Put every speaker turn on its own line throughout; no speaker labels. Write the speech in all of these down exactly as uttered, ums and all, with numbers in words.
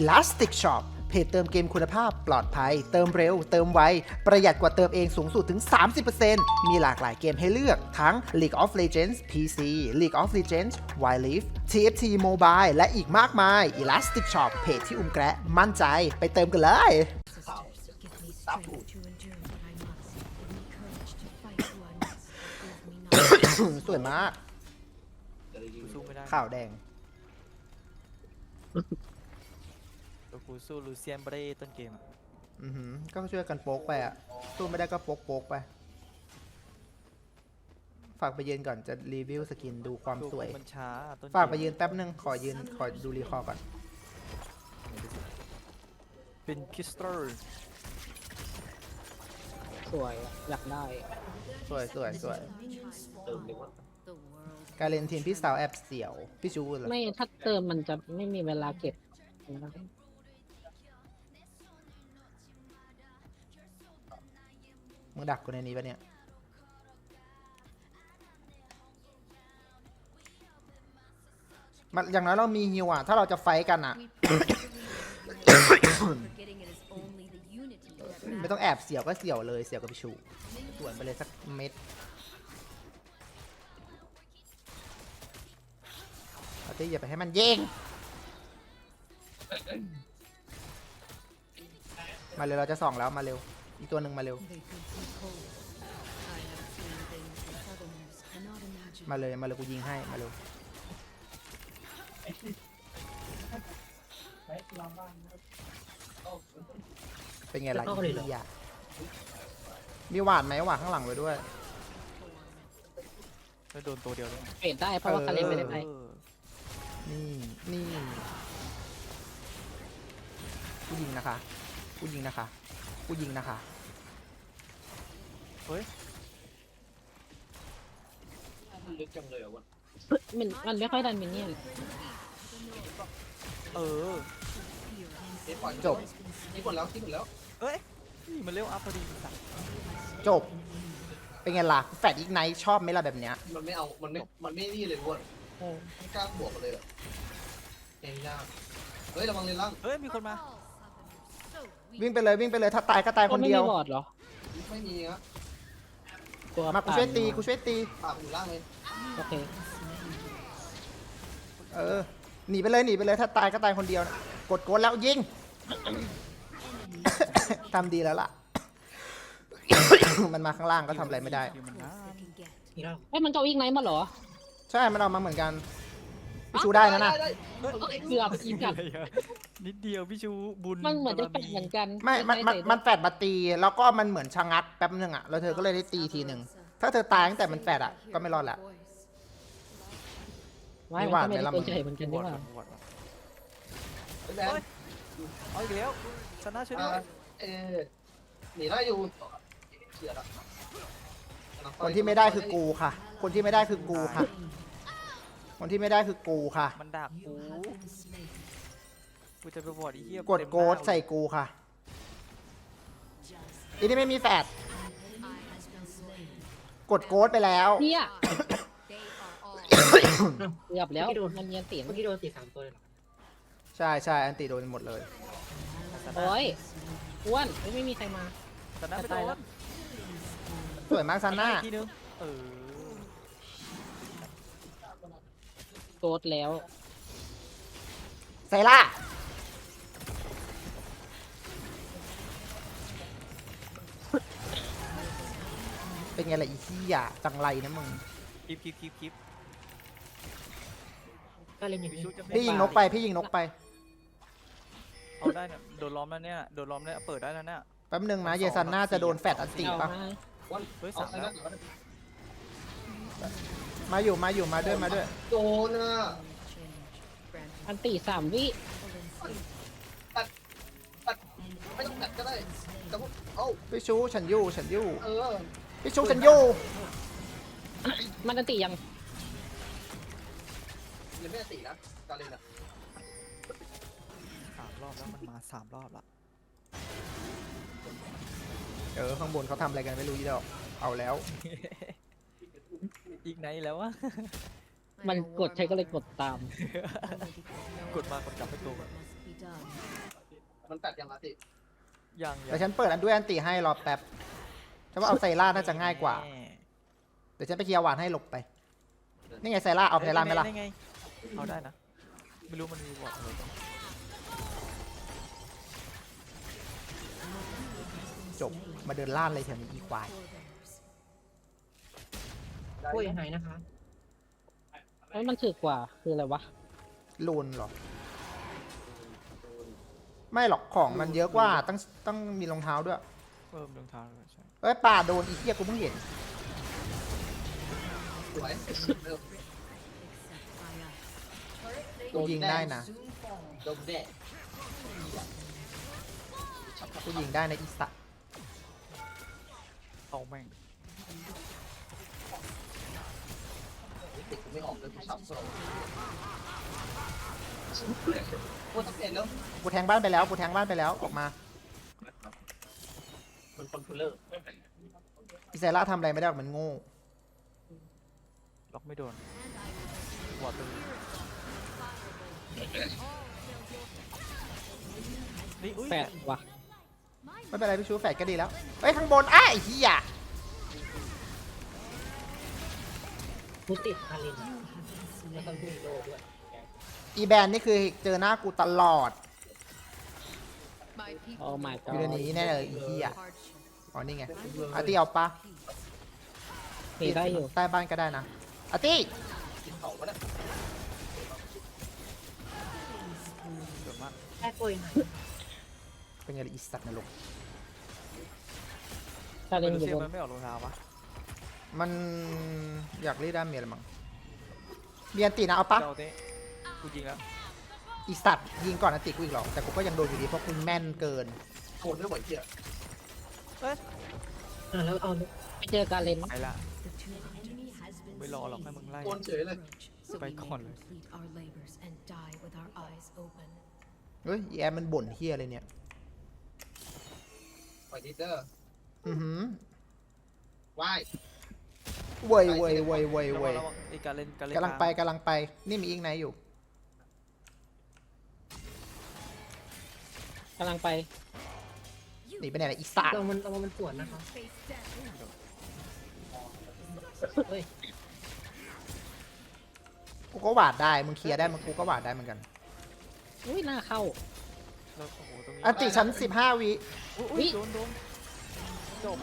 Elastic Shop เพจเติมเกมคุณภาพปลอดภัยเติมเร็วเติมไวประหยัดกว่าเติมเองสูงสุดถึง สามสิบเปอร์เซ็นต์ มีหลากหลายเกมให้เลือกทั้ง League of Legends พี ซี League of Legends Wild Rift ที เอฟ ที Mobile และอีกมากมาย Elastic Shop เพจที่อุ้มแกะมั่นใจไปเติมกันเลย สวยมาก
สู้ไม่ได้
ข่าวแดง
ตัวกูสู้ลูเซียนไม่ได้ต้นเกมอ่ะ
อือหือก็ช่วยกันโป๊กไปอ่ะสู้ไม่ได้ก็โป๊กโป๊กไป ฝากไปยืนก่อนจะรีวิวสกินดูความสวย
มันช้าต้นเกม
ฝากไปยืนแป๊บนึง ขอยืน ขอดูรีคอร์ก่อน
เป็นคิสเตอร์
สวยอะอยากได้
สวยสวยสวยการเล่นทีมพี่สาวแอบเสียว พี่ชูเหรอ
ไม่ถ้าเติมมันจะไม่มีเวลาเก็บ
มึงดักกูในนี้ปะเนี่ย มันอย่างน้อยเรามีฮิวอ่ะ ถ้าเราจะไฟท์กันอ่ะ ไม่ต้องแอบเสียวก็เสียวเลย เสียวกับพี่ชูสวนไปเลยสักเม็ดเอาที่อย่าไปให้มันยิงมาเร็วเราจะส่องแล้วมาเร็ว อีกตัวหนึ่งมาเร็ว มาเลยมาเลยกูยิงให้มาเร็วเป็นไงล่ะอีกอ่ะมีหวาดไหมหวาดข้างหลังไว้ด้วย
แล้วโดนตัวเดียวเลย
เปลี่ยนได้เพราะว่าคาเลนไม่ได้ไป
เออ
นี่นี่กูยิงนะคะกูยิงนะคะกูยิงนะคะ
เฮ้ย
ลึกจังเลยอ่ะวะ
มันมันไม่ค่อยดันมินเนี่ยน
เออ
จบ
ที่หมดแล้วที่หมดแล้ว
เอ้ยนี่มันเร็วอัพพอดีสัตว์
จบ เป็นไงล่ะแฟดอีกไนท์ชอบไหมล่ะแบบเนี้ย
มันไม่เอา มันไม่ มันไม่นี่เลยเว้ยไม่กล้าบวกกันเลยอ่ะเองยากเฮ้ยระวังเลยล่าง
เอ้ยมีคนมา
วิ่งไปเลยวิ่งไปเลยถ้าตายก็ตายคนเดียว
ไม่มีบอร์ดเหรอ
ไม่มีนะ
ตัว
มากูช่วยตีกูช่วยตี
ปากอยู่ล่างเลย
โอเค
เออหนีไปเลยหนีไปเลยถ้าตายก็ตายคนเดียวนะกดกดแล้วยิง ทำดีแล้วล่ะ มันมาข้างล่างก็ทำอะไรไม่ได้
อยู่มันนาน
นี่แล้ว
เฮ้ยมันเก้าอี้ไนท์มาเหรอ
ใช่มันเอามาเหมือนกันพี่ชูได้นะนะ
เกือบอีกกับ
นิดเดียวพี่ชูบุญ
มันเหมือนจะเป็นเหมือนกัน
ไม่มันมันมันแฟดมาตี แล้วก็มันเหมือนชะงักแป๊บนึงอ่ะแล้วเธอก็เลยได้ตีทีหนึ่งถ้าเธอตายตั้งแต่มันแฟดอ่ะก็ไม่รอดละ
ไม่
ไม่
มัน
หวาด
ก็ไม่ได้
ไหมล่ะ
เป็นใจเหมือนกัน
ว
นี่
อ
ห
ด
ว่า
วอด
แบน
เอาอีกแล้วชนะช่วย
อ่า
ด้วย
เออหนีได้อยู่เฉียดอ่ะ
คนที่ไม่ได้คือกูค่ะ คนที่ไม่ได้คือกูค่ะ คนที่ไม่ได้คือกูค่ะ
มันดักกูกูจะไปวอดอีเหี้ย
กดโกดใส่กูค่ะอีนี่ไม่มีแฟดกดโกดไปแล้ว
เนี่ยเกือบแล้วมันเนียนเตียง
เมื่อกี้โดนตีสามตัวเลยเหรอ
ใช่ใช่อันติโดนหมดเลย
โอ้ยอ้วนเฮ้ยไม่มีใครมา
ชนะไป
ตาย
โด
แล้
น
ว
สวยมากซันน่า
อีกทีนึงเออ
โกดแล้ว
ไซล่าเป็นไงล่ะอีขี้ยจังไรนะมึง
คลิปคลิปคลิปคลิป
ก็เลยมี
พี่ชูจะ
พี่ยิงนกไปพี่ยิงนกไป
เอาได้เนี่ยโดนล้อมแล้วเนี่ยโดนล้อมแล้วเปิดได้แล้วเนี่ย
แป๊บนึงนะเยซันน่าจะโดนแฟดอันติ
เอา
ปะ
มา
วัน
เฮ้ย
เอา
สาม
ไอ้
แล้
นั่
วน
มาอยู่มาอยู่มาด้วยมาด้วย
โดนอ่ะ
อันตีสามวิ
ไม่ต้องตัดก็ได้แต่ว่าเอ้า
พี่ชูฉันอยู่ฉันอยู่
เออ
พี่ชูฉันอยู่
มันอันตียัง
ยังไม่ได้ตีนะการเล่นอ่ะ
สามรอบแล้วมันมาสามรอบละ
เออข้างบนเขาทำอะไรกันไม่รู้ยี่ดอกเอาแล้ว
อีกไหนแล้ววะ
มันกดใช้ก็เลยกดตาม
กดมากดกลับไปตัว
มันตัดยังไงติ
ยังยั
เดี๋ยวฉันเปิดอันด้วยอันติให้รอแป๊บฉันว่าเอาไซร่าน่าจะง่ายกว่า
แน่
เดี๋ยวฉันไปเคลียร์หวานให้หลบไป นี่ไงไซร่าเอาไซร่าไหมล่ะ
ด้ไงเอาได้นะ ไม่รู้มันมีบอร์ดอะไรบ้าง
จบ มาเดินล่านเลยแถวนี้อีควาย
กล้วยหายนะคะ
เอ้ยมันถือกว่าคืออะไรวะ
ลูนเหรอ ไม่หรอกของมันเยอะกว่าต้องต้องมีรองเท้าด้วย
เพิ่มรองเท้าด้วยใช่
เอ้ยป่าโดนอีเทียกูเพิ่งเห็น
สวยเริ่ม
กูยิงได้นะ
โดนแดด
กูยิงได้นะอีสัตว์
เอาแม่ง
ติดกูไม่ออกเลยกูสับสนโคตรเป็นแล้ว
กูแทงบ้านไปแล้วกูแทงบ้านไปแล้วออกมา
มันคอนโทรลเลอร์
อีไซร่าทำอะไรไม่ได้หรอกมันโง่
ล็อกไม่โดนบอร์ดตรงนี้นี่อุ้ย
แปดวะ
ไม่เป็นไรพี่ชูแฝดก็ดีแล้วเฮ้ยข้างบนอ้าไอ้เหี้ย
กูติดคารินแล้วก็ดูโลด้วย
อีแบนนี่คือเจอหน้ากูตลอด
โอ้ my
อยู่ใน
god
นี้แน่เลยอีเหี้ยอ๋อนี่ไงอาร์ตี้เอาปะ
ตีได้อยู่
ใต้บ้านก็ได้นะอาร์ตี้
กินเขาวะเนี่ย
เกิดมาก
แค่กล้วยหาย
เป็นไงล่ะอีสัตว์นรก
ชาเล
เม
น
ลู
อยู่
เซีย
บน
มันไม่ออกรองเท้าวะ
มันอยากรีดด้ามเมียละมั้งเมียนตีนะเอาปะ
เจ้าเต้กูยิงแล้ว
อีสัตว์ยิงก่อนอันติกูอีกหรอกแต่กูก็ยังโดนอยู่ดีเพราะกูแม่นเกิน
โคตรไม่ไหวเหี้ย
อ่ะแล้วเอา
ไปเจอการเลน
ไปละไม่รอหรอกให้มึงไล่
โคตรเฉยเลย
ไปก่อนเลย
เฮ้ยอีแอมมันบ่นเฮียเลยเนี่ย
ปล่อยดิเตอร์
อือหือ
ว่าย
เว้ยเว้ยเว้ยเว้ย
ระวั
เว้
ง
ย
ระวังไอ้การเล่นการเล่น
กำลังไปกำลังไปนี่มีอีกไหนอยู่
กำลังไป
หนีไปไหนล่ะอีสัตว์
เรามันเรามันสวนนะคะเฮ้ย
กูก็หวาดได้มึงเคลียร์ได้มึงกูก็หวาดได้เหมือนกัน
อุ้ยหน้าเข้า
แล้วโอ้โหตรงนี้
อันติชั้นสิบห้าวิ
อุ๊ย
อุ๊
อุ๊ย
ย
โดนโดนจบ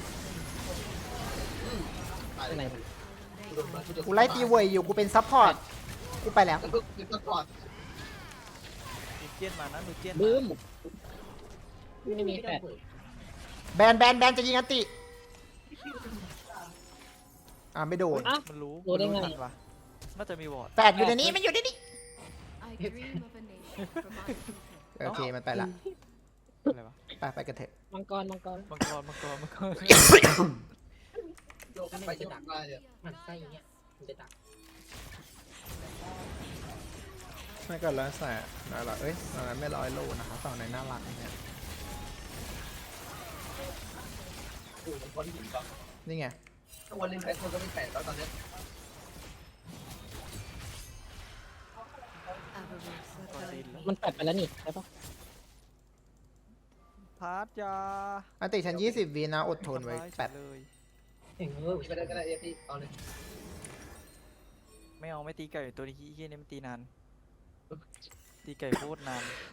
ตาย
ไปไหน
เลยกูโดนมากูโดน
กูไล่ตีเวยอยู่กูเป็นซัพพอร์ตกูไปแล้ว
แล้วก็คือก่อน
มีเจียนมานะมีเจียน
บึ้ม
มา
ไม่มีแปด
แบนแบนแบนจะยิงอันติอ่าไม่โดน
อ่ะ
มันรู้
รู้ได้ไง
มันทันวะน่าจะมีวอร์ด
แปดอยู่ในนี้มันอยู่ในนี้โอเคมันไปละ
อะไรวะ
ไปไปกันเถอะ
มังกรมังกร
มังกรมังกรมังกร
โยกไปโยกมาเนี่ย
มันไส้อย่างเงี้ยมันจะดัก
ไม่ก็แล้วแต่น่ารักเอ้ยตอนนั้นไม่ร้อยโลนะคะตอนไหนน่ารักเนี่ย
กูมันคนหินก่อน
นี่ไง
ถ้าวันเล่นแพ้คนก็ไม่แพ้แล้วตอนเนี้ย
กดดินแล้ว
มันแปดไปแล้วนี่ใช่ปะ
พาร์ทยา
อันติฉันยี่สิบวินะอดทนไว้แปด
เลย
เองเออ
ไม่ได้ก็ได้เอฟพี่เอาเลย
ไม่เอาไม่ตีไก่ตัวนี้เฮี้ยนี่มันตีนานตีไก่โคตรนาน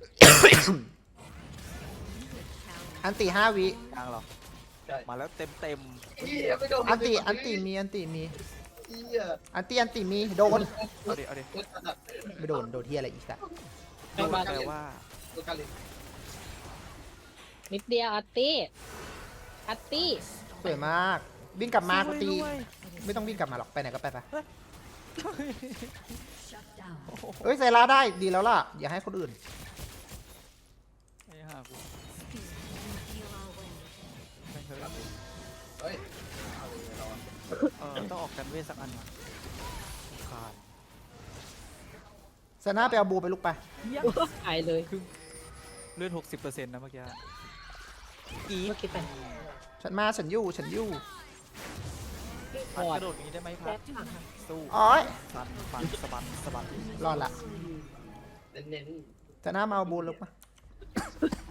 อันติห้าวิ
กลางเหรอ
ใช่
มาแล้วเต็มเต็ม
เหี้ยไม่โดน
อันติอันติมีอันติมี
เหี้ย
อันติอันติมีโดน
เอาดิเอาดิ
โคตรขนาด
ไม่โดนโดนเทียอะไรอีกอะ
ไปบ้าน
แปลว่า
ตัวการเล่น
นิดเดียวอาร์ตี้อาร์ตี้
สวยมากวิ่งกลับมากูตี
ช่วยด้วย
ไม่ต้องวิ่งกลับมาหรอกไปไหนก็ไปไป
โอ้โห
เอ้ยไซร่าได้ดีแล้วล่ะอย่าให้คนอื่น
ไอ้ห่ากูไม่เคย
เฮ้ยเอาเลยเราอะ
เออต้องออกกันเวทสักอันว่ะขาด
ไซน่าไปเอาบูไปลูกไป
หายเลย
เลื่อนหกสิบเปอร์เซ็นต์นะเมื่อกี้อี
เมื่อกี้เป็น
ฉันมาฉันอยู่ฉันอยู่
พัดกระโดดอย่างนี้ได้ไหมพัดสู้
อ๋อย
ฟันฟันสะบัดสะบัด
รอดละ
เน้น
ไซน่ามาเอาบูลูกมา
ๆ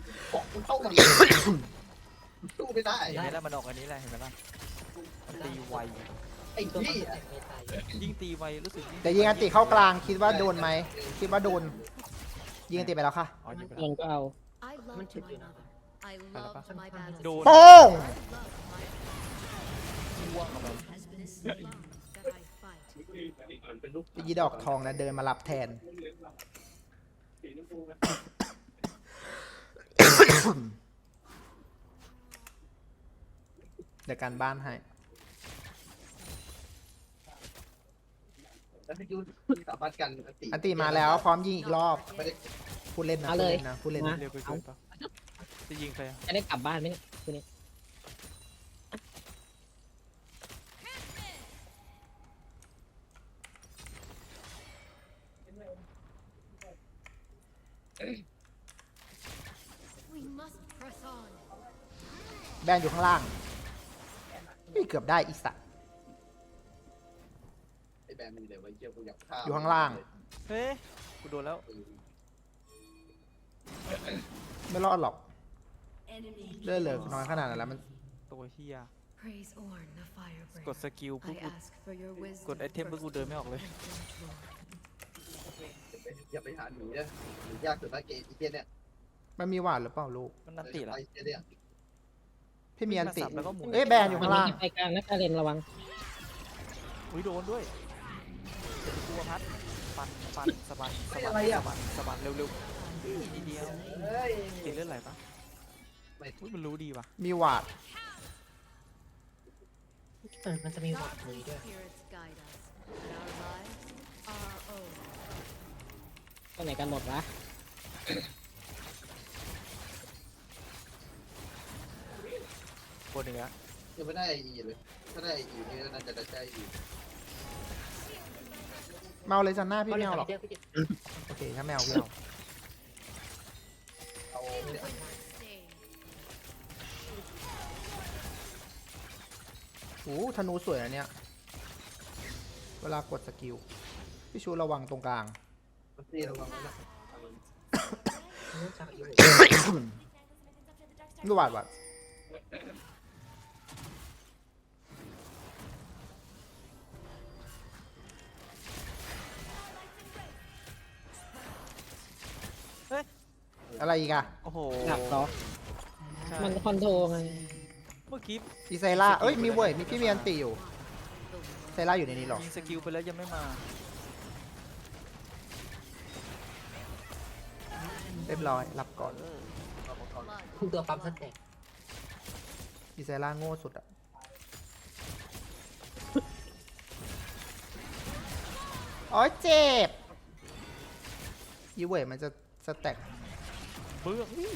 มันเข้ามาสู้ไม่ได้
เห็นไหมล่ะมันออกอันนี้แหละเห็นไหมล่ะมันตีไว
ไอ้
ตัว
ที่
มันแต่งไม่ตาย
ยิ่งตีไวรู้สึก
แต่ยิงอันติเข้ากลางคิดว่าโดนไหมคิดว่าโดนยิงอันติไปแล้วค่ะ
อ๋อยิงไป
ล
แล้ว
งก็เอา
I loved my mother. I loved my battles.
โดน
โป้ง
I love my
ว่วงเข้าไป
has been so long that I fight.
ยีดอกทองนะเดินมารับแทน เดี๋ยวการบ้านให้
แล้วพี่ยูสามารถกันอันติ
อันติมาแล้วพร้อมยิงอีกรอบ
ไม่ได้
พูดเล่นนะ
มา
พูด
เลย
เล่นนะพูดเล่นนะ
มา
เร็วไปเกินปะจะยิงใครอะ
จะได้กลับบ้านไหมเนี่ยคืนนี้
We must press on.
แบนอยู่ข้างล่างนี่เกือบได้อีสัตว์
ไอ้แบรนด์มีเลยไว้เกี่ยวกูอยากฆ่า
อยู่ข้างล่าง
เฮ้ยกูโดนแล้ว
ไม่รอดหรอกเลือดเหลือน้อยขนาดนั้นแล้วมัน
ตัวเฮีย
Praise Orn, the
กด
firebringer.
สกิลปุ๊บ
I
กู
ask for your wisdom.
กดไอเทมปุ๊บกูเดินไม่ออกเลย
อย่าไปหาหนูเนี่ยหนูยากสุดละเกมอีเกียเนี่ย
มันมีหวานหรือเปล่าลูก
มันนันติละ
ไอ้เกียเนี่ย
พี่มีอันติ
สับแล้วก็หมุน
เอ้ยแบนอยู่ข้างล่าง
ไปกลางนะกาเรนระวัง
อุ้ยโดนด้วยกูพัดปันปันสะบัดสะบัดสะบัดสะบัดเร็วๆทีเดียว
เฮ้ย
ติดเลือดไหลปะ
ไม่
อุ้ยมันรู้ดีว่ะ
มีหวาด
เออมันจะมีหวัดเลยด้วย
Spirits guide us. And our lives are our own.
ไปไหนกันหมดวะ
คนหนึ่งอะ
ยังไม่ได้ไออีเลยถ้าได้ไออีนี่น่าจะได้อี
เมาเลยจันหน้าพี่
เขา
ไม่
เรียก
เอาหรอก
เดียวพี่จิต
โอเคถ้าไม่เอาพี่เอา
เอาเนี่ย
Stay.
โอ้ธนูสวยนะเนี่ยเวลากดสกิลพี่ชูระวังตรงกลาง
มันตีระวังนะ
รู้จักอยู่
ดูหวาดหวาด อะไรอีกอะ
โอ้โห
หนักเหรอ
ใช่
มันคอนโทรไง
เมื่อกี้
อีไซล่าเอ้ยมีเว้ยมีพี่มีอันติอยู่ไซล่าอยู่ในนี้หรอ
ยิงสกิลไปแล้วยังไม่มา
เรียบร้อยรับก่อน
เออ
Blood.
คุณตัวปั๊มสแต็ก
อีไซล่าโง่สุดอะอ๋อเจ็บอีเว้ยมันจะสแต็ก
เบื้องนี่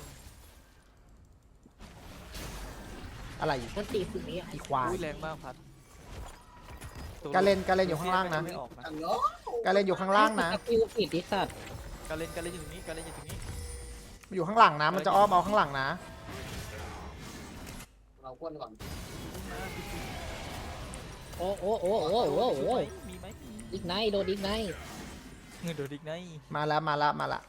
อะไรอีก
มันตีคืนนี้อ่ะ
อีควาย
อุ้ยแรงมากพัดตัว
การเล่นการเล่นอยู่ข้างล่างนะ
ไม่ออกนะ
อันเนาะ
การเล่นอยู่ข้างล่างนะ
สกิลผิดดิสัตว์
การเล่นการเล่นอยู่ตรงนี้การเล่นอยู่ตรงนี้
มันอยู่ข้างหลังนะ มันจะอ้อมเอาข้างหลังนะ
เราควนก่อน
โอ้โอ้โอ้โอ้โอ้โอ้
มีไหม
อีกไนท์โดนอีกไนท์
เงินโดดอีกไง
มาแล้วมาละมาละ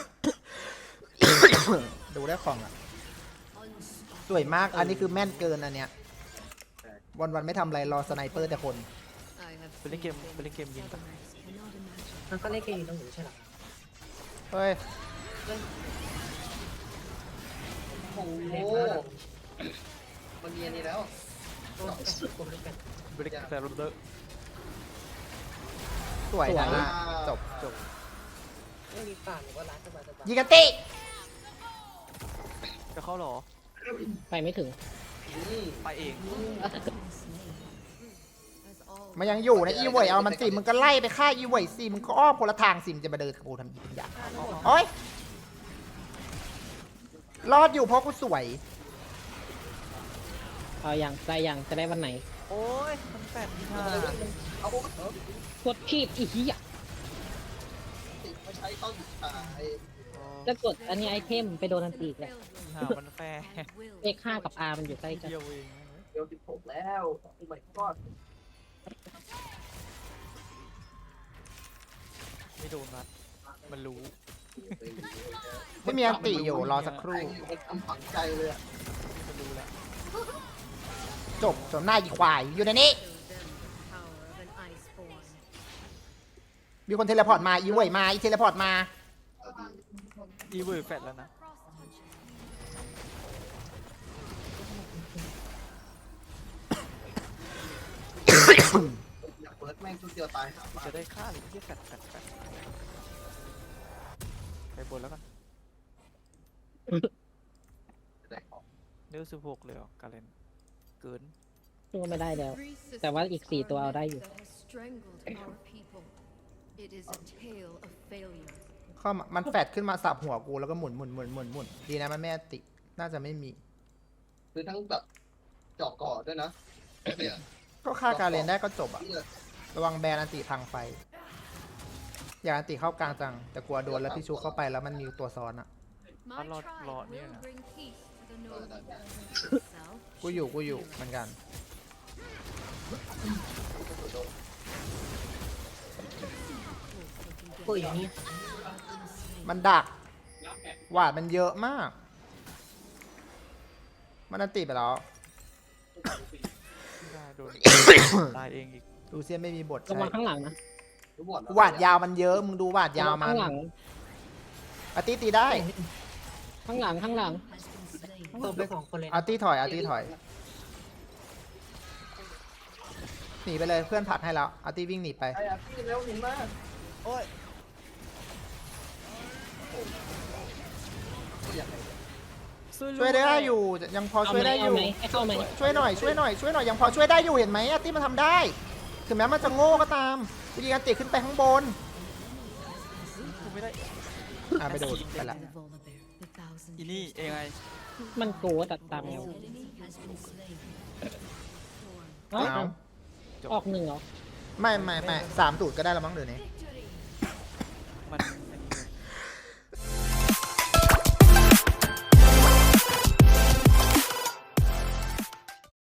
ดูได้ของอ่ะ สวยมาก อันนี้คือแม่นเกินอันเนี้ย วันวันๆไม่ทำอะไรรอสไนเปอร์แต่คน
I have
ไปเล่นเกมไปเล่นเกมยิงกัน
cannot imagine.
มันก็เล่นเกมต้องอยู่ใช่หรอ
เฮ้ย
โอ้โหมันมีอันนี้แล้ว
โอ้ยสุดคนเล่นกัน
ไปเล่นแต่รถเดอร์
สวยนะจบ
จบ
ไม่มีป่าหรือว่าร้านสบายสบาย
ยิงกันติ
จะเข้าหรอ
ไปไม่ถึง
นี่
ไปเอง
As all
มันยังอยู่นะอีเวยเอามันสิมึงก็ไล่ไปฆ่าอีเวยสิมึงก็อ้อมคนละทางสิมงจะมาเดินกับกูทำอีกอย่างโอ้ยรอดอยู่เพราะกูสวย
เอาอย่างได้อย่างจะได้วันไหน
โอ้ยมันแปดที่ห้า
เอาพวกเออก
ดผิดอีกทีอ่ะ
ติดมาใช้ต้องหยุดตาย
แล้วกดอันนี้ไอเทมไปโดนอันตีอีกเลย
หามันแฟร์
and will.
เลขห้ากับ R มันอยู่ใกล้กัน
เดียวเอง
เดี๋ยวสิบหกแล้วโอ้ my god
ไม่โดนนัดมันรู้
ไม่มีอันติอยู่รอสักค
ไอ้
รู่
มันทำฝังใจเลยอ่ะ
มันรู้แล้ว
จบจนหน้าอีควายอยู่ในนี้
Show them the power of an iceborn.
มีคนเทเลพอร์ตมาอีเว่ยมาอีเทเลพอร์ตมา
อีเวอร์แฟดแล้วนะ
อยากเปิดแม่งชุดเดียวตายหาบ้า
จะได้ฆ่าหรือไม่ใช่แฟดแฟดแฟดไปบนแล้วกัน
จะได้ของ
เนื้อสิบหกเลยเหรอการเล่นเกิน
สู้ไม่ได้แล้ว
Three
แต่ว่าอีกสี่
systems
ตัวเอาได้อยู่
that has strangled our people. It is a tale of failure.
เข้ามามันแฟดขึ้นมาสับหัวกูแล้วก็หมุนหมุนหมุนหมุนหมุนดีนะมันไม่อันติ น่าจะไม่มี
คือทั้งแบบเจาะก่อด้วยนะเนี่ย
ก็ฆ่าการเลนได้ก็จบอะ
นี่เลย
ระวังแบนอันติพังไฟ อยากอันติเข้ากลางจัง แต่กลัวโดนแล้วพี่ชูเข้าไปแล้วมันมีตัวซ้อนอะ
My
Lord-
tribe
Lord,
will
yeah.
bring peace to the north. Self
กูอยู่กูอยู่เหมือนกัน
โอ้ยอย่างนี้
มันดักหวาดมันเยอะมาก มันอันติไปแล้ว
ไม่ได้โดน ตายเองอีก
ดูเซียนไม่มีบท
ระ
ใช่
วังข้างหลังนะ
รู้หมดแล้
หวาดยาวมันเยอะ มึงดูหวาดยาว
ระ
มั
ง
น
ข้างหลัง
อาร์ตี้ตีได้
ข้างหลังข้างหลัง
เติมไปสองคนเลย
อาร์ตี้ถอยอาร์ตี้ถอย หนีไปเลยเพื่อนผลักให้แล้ว อาร์ตี้วิ่งหนีไป
ไอ้อะพี่เร็วหนีมาก
โอ้ย
อยากให้
ช่วยได้อยู่ ยังพอ
เอา
ช่วย
ไหม
ได้อ
เอา
ยู่
ไหมให้เข้าไหม
ช่วยหน่อยช่วยหน่อยช่วยหน่อยยังพอช่วยได้อยู่เห็นไหมอาร์ตี้มันทำได้ ถึงแม้มันจะโง่ก็ตามกูยิงอาร์ตี้ขึ้นไปข้างบน
กูไม่ได้
อ่ะไปโดนไปละ
the Volibear, the thousand
อีนี่เองไง
มันโกตัดตามเอว
enemy has been slain.
เอ้า
เอา
ออกหนึ่งเหรอ
ไม่ไม่ไม่สามตูดก็ได้แล้วมั้งเดี๋ยวนี้
Victory!